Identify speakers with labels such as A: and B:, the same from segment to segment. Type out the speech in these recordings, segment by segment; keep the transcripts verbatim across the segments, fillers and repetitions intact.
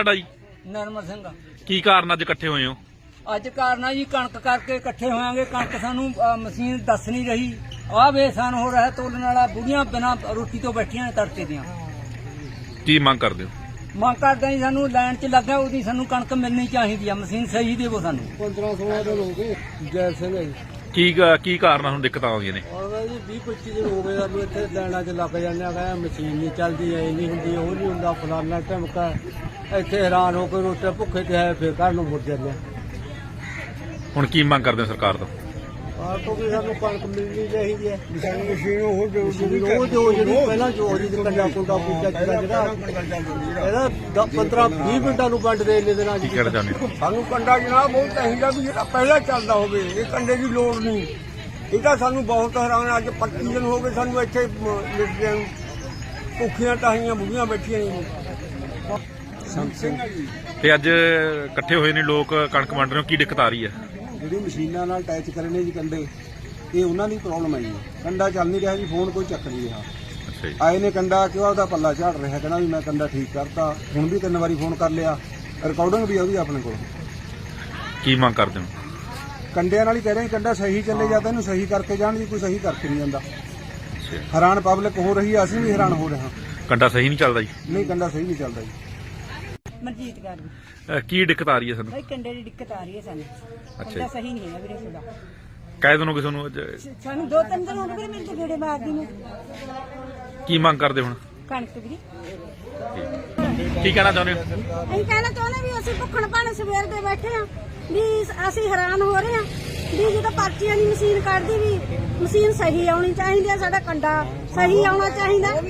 A: ਤੁਹਾਡਾ ਜੀ?
B: ਨਰਮਲ ਸਿੰਘ।
A: ਕੀ ਕਾਰਨ ਅੱਜ ਇਕੱਠੇ ਹੋਏ ਹੋ?
B: ਅੱਜ ਕਾਰਨ ਆ ਜੀ ਕਣਕ ਕਰਕੇ ਇਕੱਠੇ ਹੋਵਾਂਗੇ। ਕਣਕ ਸਾਨੂੰ ਅ, ਮਸ਼ੀਨ ਦੱਸ ਨਹੀਂ ਰਹੀ। ਆਹ ਬੇਸਾਨ ਹੋ ਰਿਹਾ ਤੋਲਣ ਵਾਲਾ, ਬੁੜੀਆਂ ਬਿਨਾਂ ਰੋਟੀ ਤੋਂ ਬੈਠੀਆਂ ਨੇ ਤੜਕੇ ਦੀਆਂ।
A: ਕੀ ਮੰਗ ਕਰਦੇ ਹੋ?
B: ਮੰਗ ਕਰਦੇ ਜੀ ਸਾਨੂੰ ਲਾਈਨ 'ਚ ਲੱਗਾ ਉਹਦੀ ਸਾਨੂੰ ਕਣਕ ਮਿਲਣੀ ਚਾਹੀਦੀ ਆ। ਮਸ਼ੀਨ ਸਹੀ ਦੇਵੋ ਸਾਨੂੰ।
C: ਪੰਦਰਾਂ ਸੋਲਾਂ ਦਿਨ ਹੋ ਗਏ। ਜੈ ਸਿੰਘ ਹੈ ਜੀ।
A: ਕੀ ਕੀ ਕਾਰਨ ਆ ਹੁਣ ਦਿੱਕਤਾਂ ਆਉਂਦੀਆਂ ਨੇ?
C: ਔਰ ਜੀ ਵੀਹ ਪੱਚੀ ਦਿਨ ਹੋ ਗਏ ਆ ਵੀ ਇੱਥੇ ਲਾਈਨਾਂ 'ਚ ਲੱਗ ਜਾਂਦੇ ਆ। ਕਹਿੰਦਾ ਮਸ਼ੀਨ ਨਹੀਂ ਚੱਲਦੀ, ਐ ਨਹੀਂ ਹੁੰਦੀ, ਉਹ ਨਹੀਂ ਹੁੰਦਾ, ਫਲਾਨਾ ਢਮਕਾ। ਇੱਥੇ ਹੈਰਾਨ ਹੋ ਕੇ ਰੋਟੀ ਭੁੱਖੇ ਤੇ ਆਏ ਫਿਰ ਘਰ ਨੂੰ ਮੁੜ ਜਾਂਦੇ ਆ।
A: ਹੁਣ ਕੀ ਮੰਗ ਕਰਦੇ ਹੋ ਸਰਕਾਰ ਤੋਂ?
C: ਆਹ ਤੋਂ ਵੀ ਸਾਨੂੰ ਕਣਕ ਮਿਲਣੀ ਚਾਹੀਦੀ ਹੈ। ਮਸ਼ੀਨ ਮਸ਼ੀਨ ਉਹ ਜੋ ਜੋ ਜਿਹੜੀ ਪਹਿਲਾਂ ਜੋ ਜਿਹਦੀ ਕੰਡਾ ਕੁੰਡਾ ਪੂਜਾ ਜਿਹੜਾ ਇਹਦਾ ਪੰਦਰਾਂ ਵੀਹ ਮਿੰਟਾਂ ਨੂੰ ਵੰਡ ਦੇ ਇੰਨੇ ਦਿਨਾਂ
A: ਕੀ ਕਹਿਣਾ ਚਾਹੁੰਦੇ ਹੋ?
D: ਸਾਨੂੰ ਕੰਡਾ ਜਨਾਬ ਬਹੁਤ ਚਾਹੀਦਾ ਵੀ ਜਿਹੜਾ ਪਹਿਲਾਂ ਚੱਲਦਾ ਹੋਵੇ। ਇਹ ਕੰਡੇ ਦੀ ਲੋੜ ਨਹੀਂ। ਇਹ ਤਾਂ ਸਾਨੂੰ ਬਹੁਤ ਹੈਰਾਨ। ਅੱਜ ਪੱਚੀ ਦਿਨ ਹੋ ਗਏ ਸਾਨੂੰ ਇੱਥੇ ਲਿਟਦਿਆਂ ਨੂੰ। ਭੁੱਖੀਆਂ ਟਾਹੀਆਂ ਬੁੱਢੀਆਂ ਬੈਠੀਆਂ ਨੇ।
A: ਤੇ ਅੱਜ ਇਕੱਠੇ ਹੋਏ ਨੇ ਲੋਕ, ਕਣਕ ਵੰਡ ਰਹੇ ਹੋ, ਕੀ ਦਿੱਕਤ ਆ ਰਹੀ ਹੈ?
E: ਜਿਹੜੀ ਮਸ਼ੀਨਾਂ ਨਾਲ ਅਟੈਚ ਕਰੇ ਨੇ ਜੀ ਕੰਡੇ, ਇਹ ਉਹਨਾਂ ਦੀ ਪ੍ਰੋਬਲਮ ਹੈ ਜੀ। ਕੰਡਾ ਚੱਲ ਨਹੀਂ ਰਿਹਾ ਜੀ, ਫੋਨ ਕੋਈ ਚੱਕ ਨਹੀਂ ਰਿਹਾ।
A: ਅੱਛਾ ਜੀ।
E: ਆਏ ਨੇ ਕੰਡਾ ਕਿਉਂ ਉਹਦਾ ਪੱਲਾ ਝਾੜ ਰਿਹਾ, ਕਹਿੰਦਾ ਵੀ ਮੈਂ ਕੰਡਾ ਠੀਕ ਕਰਤਾ। ਹੁਣ ਵੀ ਤਿੰਨ ਵਾਰੀ ਫੋਨ ਕਰ ਲਿਆ, ਰਿਕਾਰਡਿੰਗ ਵੀ ਉਹਦੀ ਆਪਣੇ ਕੋਲ।
A: ਕੀ ਮੰਗ ਕਰਦੇ ਹੋ?
E: ਕੰਡਿਆਂ ਨਾਲ ਹੀ ਕਹਿ ਰਹੇ ਕੰਡਾ ਸਹੀ ਚੱਲੇ ਜਾਂਦਾ, ਇਹਨੂੰ ਸਹੀ ਕਰਕੇ ਜਾਣ ਜੀ। ਕੋਈ ਸਹੀ ਕਰਕੇ ਨਹੀਂ ਜਾਂਦਾ।
A: ਅੱਛਾ।
E: ਹੈਰਾਨ ਪਬਲਿਕ ਹੋ ਰਹੀ ਹੈ, ਅਸੀਂ ਵੀ ਹੈਰਾਨ ਹੋ ਰਹੇ ਹਾਂ।
A: ਕੰਡਾ ਸਹੀ ਨਹੀਂ ਚੱਲਦਾ ਜੀ?
E: ਨਹੀਂ, ਕੰਡਾ ਸਹੀ ਨਹੀਂ ਚੱਲਦਾ ਜੀ।
F: ਮਨਜੀਤ ਕੌਰ ਜੀ।
A: ਅਹ ਕੀ ਦਿੱਕਤ ਆ ਰਹੀ ਹੈ ਸਾਨੂੰ?
F: ਭਾਈ ਕੰਡੇ ਦੀ ਦਿੱਕਤ ਆ ਰਹੀ ਹੈ ਸਾਨੂੰ।
A: ਅੱਛਾ
F: ਕੰਡਾ ਸਹੀ ਨਹੀਂ ਹੈ ਵੀਰੇ ਸਾਡਾ।
A: ਕਹਿ ਦਿਨੋਂ ਕਿਸੇ ਨੂੰ ਅੱਜ
F: ਸਾਨੂੰ ਦੋ ਤਿੰਨ ਦਿਨ ਹੋ ਗਏ ਮੇਰੇ ਤੇ ਗੇੜੇ ਮਾਰਦੀ ਨੂੰ।
A: ਕੀ ਮੰਗ ਕਰਦੇ ਹੁਣ?
F: ਕਣਕ ਵੀਰੇ
A: ਕੀ ਕਹਿਣਾ ਚਾਹੁੰਦੇ ਹੋ?
F: ਅਸੀਂ ਕਹਿਣਾ ਚਾਹੁੰਦੇ ਵੀ ਅਸੀਂ ਭੁੱਖਣ ਭਾਣੇ ਸਵੇਰ ਦੇ ਬੈਠੇ ਆ ਵੀ ਅਸੀਂ ਹੈਰਾਨ ਹੋ ਰਹੇ ਆ ਵੀ ਜਦੋਂ ਪਰਚੀਆਂ ਦੀ ਮਸ਼ੀਨ ਕੱਢਦੀ ਵੀ ਮਸ਼ੀਨ ਸਹੀ ਆਉਣੀ ਚਾਹੀਦੀ ਆ। ਸਾਡਾ ਕੰਡਾ ਸਹੀ ਆਉਣਾ ਚਾਹੀਦਾ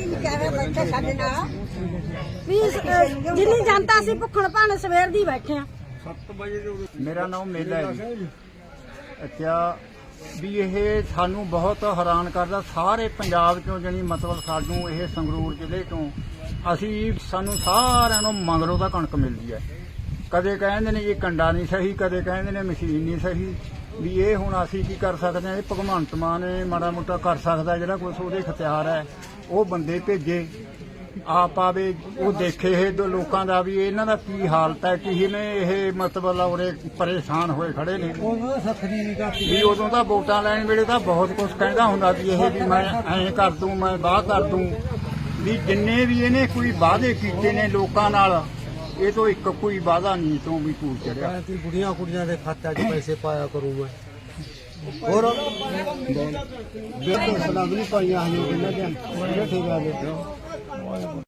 F: ਵੀ ਜਿੰਨੀ ਜਨਤਾ ਅਸੀਂ ਭੁੱਖਣ ਭਾਣੇ ਸਵੇਰ ਦੀ ਬੈਠੇ ਆ।
G: ਮੇਰਾ ਨਾਮ ਮੇਲਾ ਹੈ ਜੀ। ਅੱਛਾ ਵੀ ਇਹ ਸਾਨੂੰ ਬਹੁਤ ਹੈਰਾਨ ਕਰਦਾ। ਸਾਰੇ ਪੰਜਾਬ ਚੋਂ ਜਾਣੀ ਮਤਲਬ ਸਾਨੂੰ ਇਹ ਸੰਗਰੂਰ ਜ਼ਿਲ੍ਹੇ ਤੋਂ ਅਸੀਂ ਸਾਨੂੰ ਸਾਰਿਆਂ ਨੂੰ ਮਗਰੋਂ ਦਾ ਕਣਕ ਮਿਲਦੀ ਹੈ। ਕਦੇ ਕਹਿੰਦੇ ਨੇ ਇਹ ਕੰਡਾ ਨਹੀਂ ਸਹੀ, ਕਦੇ ਕਹਿੰਦੇ ਨੇ ਮਸ਼ੀਨ ਨਹੀਂ ਸਹੀ। ਵੀ ਇਹ ਹੁਣ ਅਸੀਂ ਕੀ ਕਰ ਸਕਦੇ ਹਾਂ? ਇਹ ਭਗਵੰਤ ਮਾਨ ਨੇ ਮਾੜਾ ਮੋਟਾ ਕਰ ਸਕਦਾ, ਜਿਹੜਾ ਕੁਛ ਉਹਦੇ ਇਖਤਿਆਰ ਹੈ। ਉਹ ਬੰਦੇ ਭੇਜੇ, ਆਪ ਆਵੇ, ਉਹ ਦੇਖੇ ਇਹ ਦੋ ਲੋਕਾਂ ਦਾ ਵੀ ਇਹਨਾਂ ਦਾ ਕੀ ਹਾਲਤ ਹੈ, ਕੀ ਨੇ ਇਹ ਮਤਲਬ ਉਰੇ ਪਰੇਸ਼ਾਨ ਹੋਏ ਖੜੇ ਨੇ। ਵੀ ਉਦੋਂ ਤਾਂ ਵੋਟਾਂ ਲੈਣ ਵੇਲੇ ਤਾਂ ਬਹੁਤ ਕੁਝ ਕਹਿੰਦਾ ਹੁੰਦਾ ਵੀ ਇਹ ਵੀ ਮੈਂ ਐਂ ਕਰ ਦੂੰ, ਮੈਂ ਬਾਹ ਕਰ ਦੂੰ। ਵੀ ਜਿੰਨੇ ਵੀ ਇਹਨੇ ਕੋਈ ਵਾਅਦੇ ਕੀਤੇ ਨੇ ਲੋਕਾਂ ਨਾਲ, ਇਹ ਤੋਂ ਇੱਕ ਕੋਈ ਵਾਅਦਾ ਨਹੀਂ ਤੋਂ ਵੀ ਪੂਰ ਚੜਿਆ।
C: ਬੁੜੀਆਂ ਕੁੜੀਆਂ ਦੇ ਖਾਤੇ 'ਚ ਪੈਸੇ ਪਾਇਆ ਕਰੂ ਮੈਂ। ਹੋਰ ਬਿਲਕੁਲ ਸਲਾਮ ਨਹੀਂ ਪਾਈਆਂ ਹਨ ਇਹਨਾਂ ਦੇ। ਠੀਕ ਆ ਜੀ।